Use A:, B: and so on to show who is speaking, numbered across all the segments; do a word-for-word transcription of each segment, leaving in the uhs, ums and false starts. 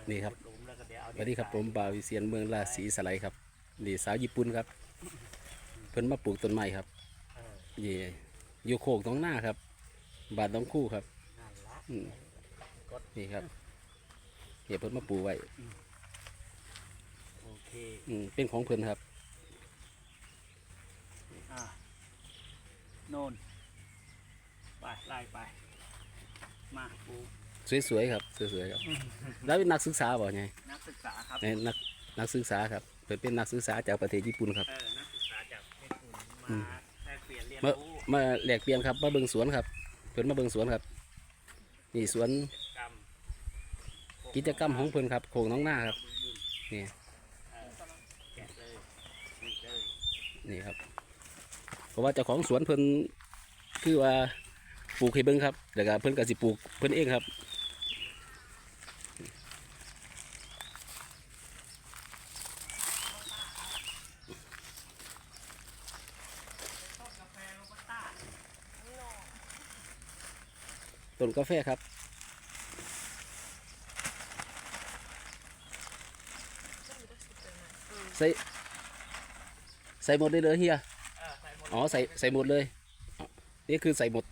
A: นี่ครับสวัสดีครับผมบ่าววิเชียรเมืองราศีสไลครับนี่สาวญี่ปุ่นครับเพิ่นมาปลูกต้นไม้ครับนี่อยู่โคกตรงหน้าครับบาทน้องคู่ครับนี่ครับเดี๋ยวเพิ่นมาปลูกไว้
B: โอเค
A: เป็นของเพิ่นครับ
B: โน่นไปไล่ไปมาปลูก
A: สวยๆครับสวยๆครับแล้วเป็นนักศึกษาบ่ไง
B: นักศึกษาครับ
A: นักนักศึกษาครับเพิ่นเป็นนักศึกษาจากประเทศญี่ปุ่นครับ
B: เออนักศึกษาจากประเทศญี่ปุ่นมาแลกเปลี่ยนเรียนรู้
A: มาแลกเปลี่ยนครับมาเบิ่งสวนครับเพิ่นมาเบิ่งสวนครับนี่สวนกิจกรรมของเพิ่นครับโคกน้องหน้าครับนี่นี่ครับเพราะว่าเจ้าของสวนเพิ่นคือว่าปลูกให้เบิ่งครับแต่ก็เพิ่นก็สิปลูกเพิ่นเองครับต้นกาแฟครับใส่ใส่หมดเลยเลยเฮียอ๋อใส่ใส่หมดเลยนี่คือใส่หมด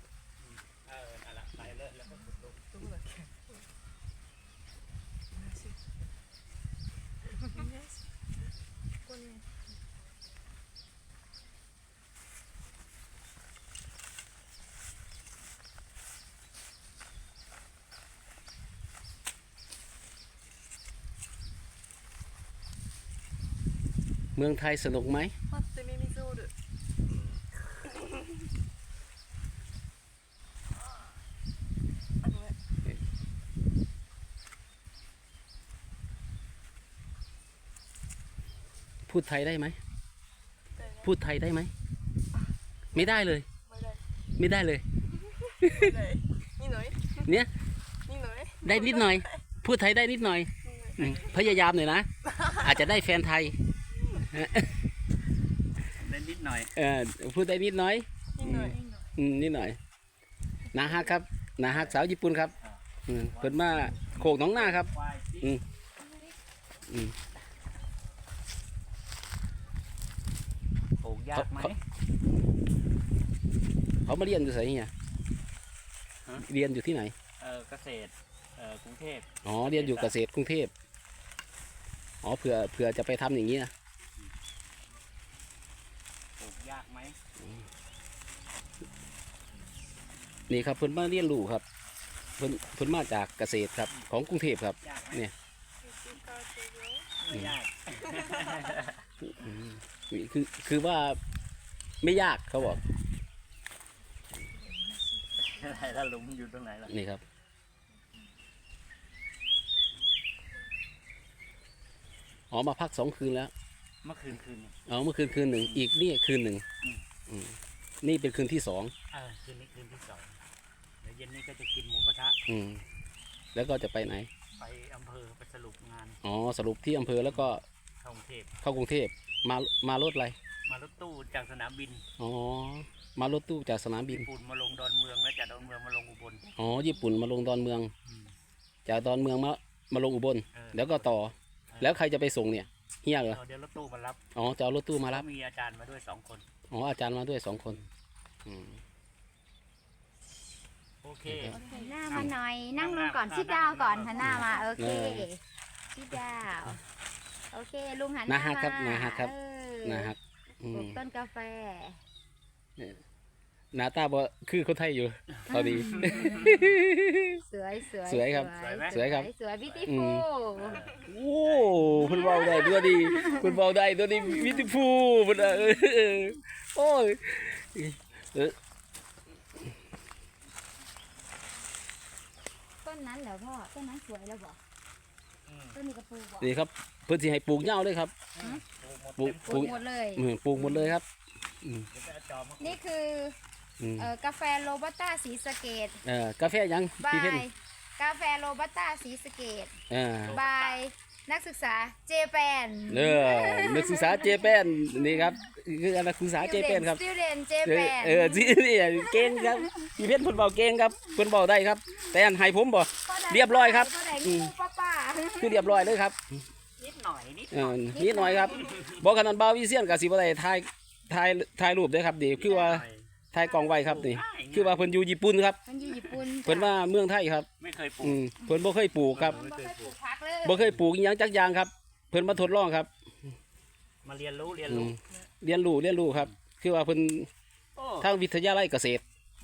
A: เมืองไทยสนุกไหมพูดไทยได้ไหมพูดไทยได้ไหมไม่ได้เลยไม่ได้เลยเนี่ยได้นิดหน่อยพูดไทยได้นิดหน่อยพยายามหน่อยนะอาจจะได้แฟนไทย
B: ได้นิดหน่อย
A: เออพูดได้นิดหน่อยนิดหน่อยนาฮักครับนาฮักสาวญี่ปุ่นครับเปิดมาโขกน้องหน้าครับอืมอืม
B: ปลูกยากไหม
A: เขามาเรียนอยู่ไหนเนี่ยเรียนอยู่ที่ไหน
B: เออเกษตรเออกรุงเทพ
A: อ๋อเรียนอยู่เกษตรกรุงเทพอ๋อเผื่อเผื่อจะไปทำอย่างนี้นะ
B: ปลูกยากไหม
A: นี่ครับเพิ่นมาเรียนรู้ครับเพิ่นเพิ่นมาจากเกษตรครับของกรุงเทพครับเนี่ย
B: ไม่ยาก
A: คือคือว่าไม่ยากเขาบอก
B: อะไรล่ะลุงอยู่ตรงไหนล่ะ
A: นี่ครับอ๋อมาพักสองคืนแล้ว
B: เมื่อคืนคืน
A: อ๋อเมื่อคืนคืนหนึ่งอีกนี่คืนหนึ่งนี่เป็นคืนที่สอง
B: เออคืนนี้คืนที่สองเดี๋ยวเย็นนี้ก็จะกินหมูกระทะ
A: อืมแล้วก็จะไปไหน
B: ไปอำเภอไปสรุปงาน
A: อ๋อสรุปที่อำเภอแล้วก็
B: เข้ากรุงเทพ
A: เข้ากรุงเทพมามารถอะไร
B: มารถตู้จากสนามบิน
A: อ๋อมารถตู้จากสนามบิน
B: ญี่ปุ่นมาลงดอนเมืองแล้วจากดอนเมืองมาลงอุบล
A: อ๋อญี่ปุ่นมาลงดอนเมืองจากดอนเมืองมามาลงอุบลแล้วก็ต่อแล้วใครจะไปส่งเนี่ยเฮียเหรอ
B: เดี๋ยวรถตู้มารับ
A: อ๋อจะเอารถตู้มารับ
B: มีอาจารย์มาด้วยสองคน
A: อ๋ออาจารย์มาด้วยสองคน
B: โอเค
C: หันหน้ามาหน่อยนั่งลงก่อนชิดดาวก่อนหันหน้ามาโอเคชิดดาวโอเคลุงหันหน้ามา
A: ครับนาฮักครับนาฮัก
C: ปลูกต้นกาแฟ
A: หน้าตาบ่คือคนไทยอยู่พอดี
C: สวยสวย
A: สวยครับสวยครับ
C: สวยบิวตี้ฟูล
A: โอ้คุณเบาได้ตัวดีคุณเบาได้ตัวดีบิวตี้ฟูลมันเออโอ้ย
C: ต้นนั้นเหรอพ่อต้นนั้นสวยแล้วบอกต้นนี้ก็ปลูกบอก
A: นี่ครับเพื่อที่ให้ปลูกเงาเลยครับ
C: ปลูกปลูกหมดเลย
A: ปลูกหมดเลยครับ
C: นี่คือกาแฟโรบัสต้าสีสะเกด
A: เออกาแฟยัง
C: บายกาแฟโรบัสต้าสีสะเกดบายนักศึกษาเจแปน
A: เออนักศึกษาเจแปนนี่ครับคือนักศึกษาเจแปนครับ
C: student เจแปน
A: เออจีนี่เก่งครับพี่เพชรเพิ่นเบาเก่งครับเพิ่นเบาได้ครับแต่อันให้ผมบ่เรียบร้อยครับ
C: ป้า
A: คือเรียบร้อยเลยครับ
B: นิดหน่อยนิด
A: เออนิดหน่อยครับบอกขนาดบาววิเซียนกับสิบอะไรถ่ายถ่ายถ่ายรูปเด้วยครับดีคือว่าถ่ายกล้องไว้ครับนี่คือว่าเพิ่นอยู่ญี่ปุ่นครับ
C: มันอยู่ญี่ปุ่น
A: เพิ่นว่าเมืองไทยครับ
B: ไม่เคยปลู
A: อื
B: ก
A: มเพิ่นบ่เคยปลูกครับ
C: บ่เคยปลูกผักเลย
A: บ่เคยปลูกอิหยังจักอย่างครับ เพิ่นมาทดลองครับ
B: มาเรียนรู้เรียน
A: อื
B: รู้
A: มเรียนรู้เรียนรู้ครับ คือว่าเพิ่น
B: โอ้
A: ทางวิทยาลัยเกษตร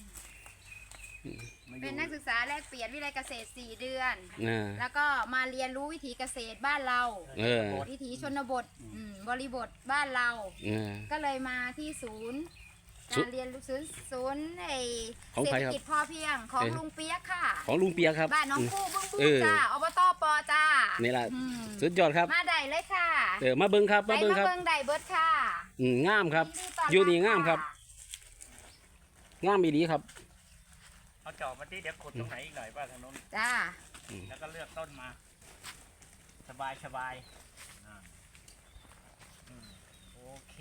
B: มาอยู่
C: เป็นนักศึกษาแลกเปลี่ยนวิทยาลัยเกษตรสี่เดือน
A: อ่า
C: แล้วก็มาเรียนรู้วิถีเกษตรบ้านเรา
A: เออ
C: วิถีชนบทอืมบริบทบ้านเรา
A: อ่า
C: ก็เลยมาที่ศูนย์
A: ศู
C: กาน ร
A: ย์
C: เรียนรู้ศูนย์ศูนย์ไอ
A: ของ
C: เศร
A: ใคร
C: ษฐ
A: ครับ
C: กิจพอเพียงของ
A: เอ๊ะ
C: ลุงเปียกค่ะ
A: ของลุงเปียกครับ
C: บ้านน้อง
A: อืม
C: คู่บึ้งบึ้
A: เอง อ
C: จ้าอบตปอจ้า
A: นี่ล่ะ
C: อืม
A: สุดยอดครับ
C: มาได้เลยค่ะ
A: เออมาเบิ่งครับ
C: ไป
A: มาเบิ่ง
C: มา
A: ครับ
C: เบิ่งได้เบิดค่ะ
A: อืมงามครับ
C: ยินดีต้น
A: อยู่นี่
C: รับ
A: งามครับ
C: ะ
A: งามอีหลีครับ
B: เอาจอบมาที่เดี๋ยวขุดตรงไหนอีกหน่อยว่าทางโน้น
C: จ้า
B: แล้วก็เลือกต้นมา สบายสบายอ่าอืมโอเค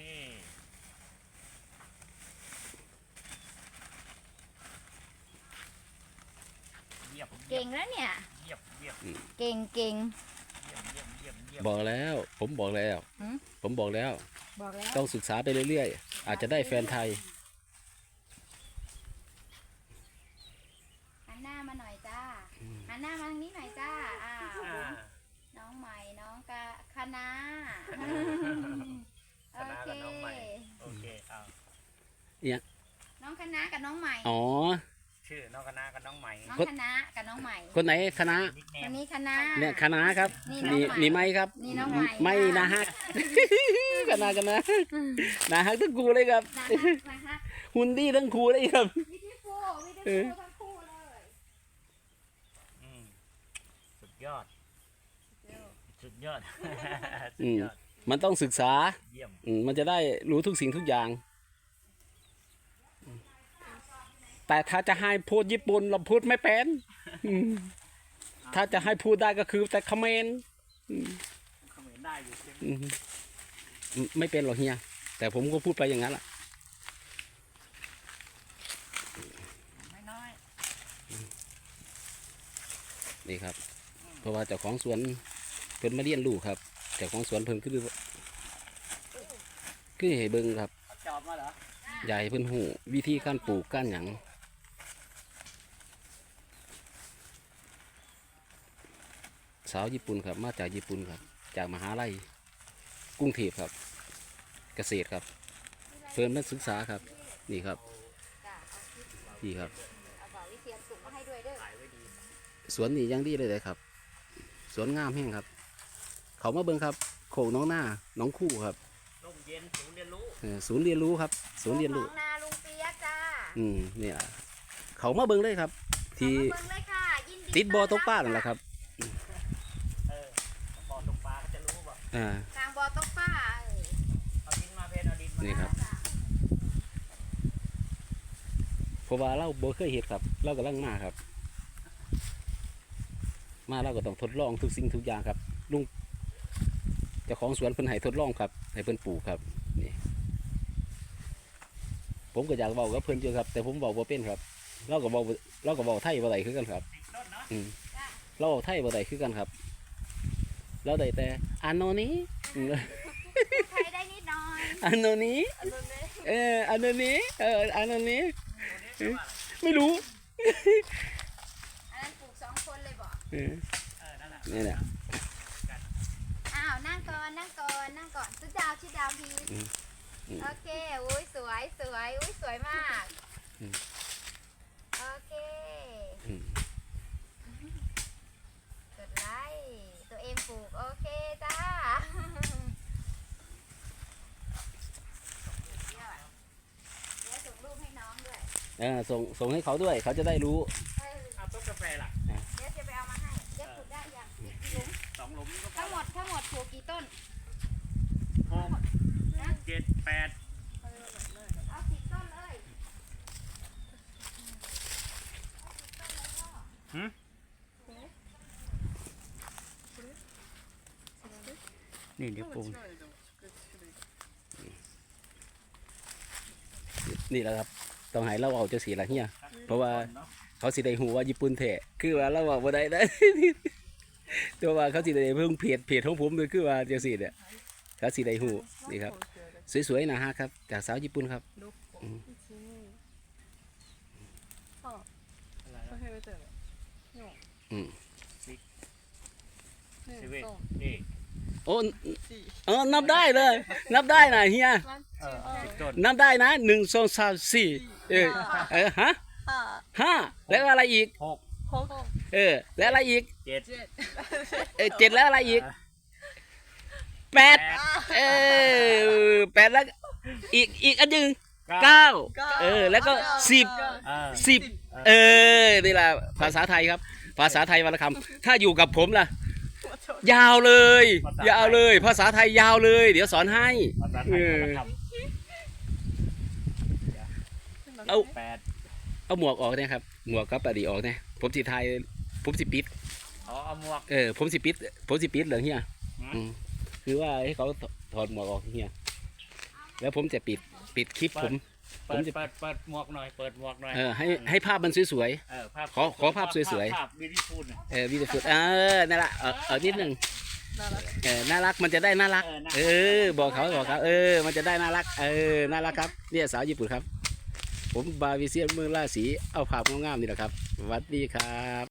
B: เยี่ยม
C: เก่งแล้วเนี่ย
B: เยี่ยมเยี่ยม
C: เก่งเก่ง
B: เยี่ยมเยี่ยมเยี่ยมเยี่ยม
A: บอกแล้ว ผมบอกแล้ว
C: หืม
A: ผมบอกแล้ว
C: บอกแล้ว
A: ต้องศึกษาไปเรื่อยๆ อาจจะได้แฟนไทย
C: หันหน้ามาหน่อยจ้าหันหน้ามาทางนี้หน่อยจ้าอ้าว
B: อ่า
C: น้องใหม่น้องกะคณะ
B: คณะกับน้องใหม่ โอเคเอา
C: น้องคณะกับน้องใหม่
A: อ๋อ
B: ชื่อน้องคณะกับน้องใหม่
C: น้องคณะกับน้องใหม่
A: คนไหนคณะ
B: นิกเน
C: ค
B: ม
C: นนี้คณะ
A: เนี่ยคณะครับ
C: นี่น้อง
A: นี่
C: ใหม่
A: นี่ไม่ครับ
C: นี่น้องใหม่
A: ไม่นะฮัก คณะกันนะนะฮักทั้งคู่เลยครับ
C: นะฮะนะฮะ
A: หุ่นดีทั้งคู่เลยครับ
C: วิธีคู่วิธีคู่ทั้งคู่เลย
B: อืมสุดยอด สุดยอด สุ
A: อื
B: ด
A: ม
B: ยอด
A: มันต้องศึกษา
B: เยี่ยม
A: อืมมันจะได้รู้ทุกสิ่งทุกอย่าง แต่ถ้าจะให้พูดญี่ปุ่นเราพูดไม่เป็นอืมถ้าจะให้พูดได้ก็คือแต่คอมเขมน
B: เขมรได้อยู่ใช่ไหม
A: อืมไม่เป็นหรอกเฮีย แต่ผมก็พูดไปอย่างนั้นแหละ
B: ไม่น้อย
A: นี่ครับ เพราะว่าเจ้าของสวนเพิ่นมาเรียนรู้ครับเจ้าของสวนเพิ่นคือคือให้เบิ่งครับ
B: เอาจอบมาเหรอ
A: ใหญ่เพิ่นหูวิธีการปลูกการหยังสาวญี่ปุ่นครับ มาจากญี่ปุ่นครับ จากมหาลัยกรุงเทพครับ เกษตรครับ เพิ่นมาศึกษาครับ นี่ครับ
C: จ้ะเอาคลิป
A: นี่ครับ
C: เอาบอกวิเชียนสุกมาให้ด้วยเด้อ
B: ถ่ายไว้ดี
A: สวนนี่ยังดีเลยเลยครับ สวนงามแห้งครับ เขามาเบิ่งครับโขกน้องหน้าน้องคู่ครับ
B: ร่มเย็นศูนย์เรียนรู้
A: เออศูนย์เรียนรู้ครับ ศูนย์เรียนรู้
C: ของนาลุงเปียกจ้า
A: อืมเนี่ยเขามาเบิ่งเลยครับ ที่
C: เอามาเบิ่งเลยค่ะยินดี
A: ติดบ่อตกปลานั่นแหละครับ
B: เออบ่อตกปลาเขาจะรู้ป่ะ
A: อ่า
C: ทางบ่อตกปลาเอ้ย
B: เอาดินมาเพนเอาดินมา
A: นี่ครับ
C: จ้ะ
A: เพราะว่าเราบ่เคยเห็นครับ เรากำลังมาครับ มาเราก็ต้องทดลองทุกสิ่งทุกอย่างครับ ลุงเจ้าของสวนเพิ่นให้ทดลองครับ ให้เพิ่นปลูกครับ นี่ ผมก็อยากเว้ากับเพิ่นอยู่ครับ แต่ผมเว้าบ่เป็นครับ เราก็เว้าเราก็เว้าไทยบ่ได้คือกันครับ
B: ติดต้นเนาะ
A: อืม
C: จ้ะ
A: เราเว้าไทยบ่ได้คือกันครับ เราได้แต่อันโนนี้อืม
C: พูดไทยได้นิดหน่อย
A: อันโนนี้
C: อันนั้นเลย
A: เอออันโนนี้เอออันโนนี้
B: ตัวนี้ชื่อว่าอะไร
A: ไม่รู้
C: อันนั้นปลูกสองคนเลยบอก
A: เออ
B: เออนั่นแหละ
A: นี่แหละ
C: อ้าวนั่งก่อนนั่งก่อนนั่งก่อนชุดดาวชุดดาวพี
A: อืมอืม
C: โอเคอุ้ยสวยสวยอุ้ยสวยมาก
A: อืม
C: โอเค
A: อืม
C: กดไลค์ตัวเองปลูกโอเคจ้าเดี๋ยวส่งรูปให้น้องด้วย
A: เออส่งส่งให้เขาด้วย เขาจะได้รู้
C: เออ
B: เอาต้นกาแฟล่ะ
C: เดี๋ยวจะไปเอามาให้เดี๋ยวปลูกได้ยังกี่หลุม
B: สองหลุมก็พอ
C: ทั้งหมดทั้งหมดปลูกกี่ต้น
B: หก
C: นะ
B: เจ็ดแปด
C: เอาสิบต้นเลย
B: หืม นี่เดี๋ยวปลูก
A: นี่แหละครับ ต้องให้เราเอาจะสีละเฮีย เพราะว่า เขาสิได้หูว่าญี่ปุ่นแท้คือว่าเราบอกบ่ได้ได้
B: เ
A: ตัวว่าเขาสิได้เพิ่งเพจเพจของผมเลยคือว่าจังซี่เนี่ยเขาสิได้ฮู้นี่ครับสวยๆนะฮะครับจากสาวญี่ปุ่นครับ อืม
B: อะไร
D: ก็
B: นะ
D: ให้ไปเจอ
A: อืม
D: หนึ่ง
B: ชีวิต
D: สอง
B: นี่
A: โอ้
D: สี่
A: เออนับได้เลย นับได้นะเฮีย
D: วัน
B: เอ
D: ที่
B: อสิบต้น
A: นับได้นะหนึ่งสองสามสี่เออเออฮะ
D: ห้า
A: ห้าแล้วอะไรอีก
B: หก
D: หก
A: เออแล้วอะไรอีก
B: เจ็ด
D: เจ็ด
A: เออเจ็ดแล้วอะไรอีกแปด
B: แปด
A: เออแปดแล้วอีกอีกอันหนึ่ง
B: เก้า
A: เก้าเออแล้วก็สิบ
B: เออ
A: สิบเออนี่แหละภาษาไทยครับ ภาษาไทยวรรณคำถ้าอยู่กับผมล่ะ ยาวเลย ยาวเลย ภาษาไทยยาวเลย เดี๋ยวสอนให้
B: ภาษาไทยเขาท
A: เอา
B: ำแปด
A: เอาหมวกออกเนี่ยครับหมวกกับปดีออกเนี่ยผมสิไทยผมสิปิด
B: อ๋อเอาหมวก
A: เออผมสิปิดผมสิปิดเหรอเฮีย
B: อืม
A: อืมคือว่าให้เขาถอดหมวกออกเฮียแล้วผมจะปิดปิดคลิปผม
B: เปิ
A: ผม
B: ด
A: จะ
B: เปิดเปิดหมวกหน่อยเปิดหมวกหน่อย
A: เออให้ให้ภาพมันสวย
B: เออภาพ
A: ขอขอภาพสวยๆ
B: ภาพวิดีโอน่ะ
A: ๆเออวิดีโอเออนั่นแหละเออเออนิดหนึ่ง
D: น่ารัก
A: เออน่ารักมันจะได้น่ารัก
B: เออน่ารัก
A: เออบอกเขาบอกเขาเออมันจะได้น่ารักเออน่ารักครับเนี่ยสาวญี่ปุ่นครับ ผมบาวิเซียนเมืองราศีเอาภาพงามๆนี่แหละครับสวัสดีครับ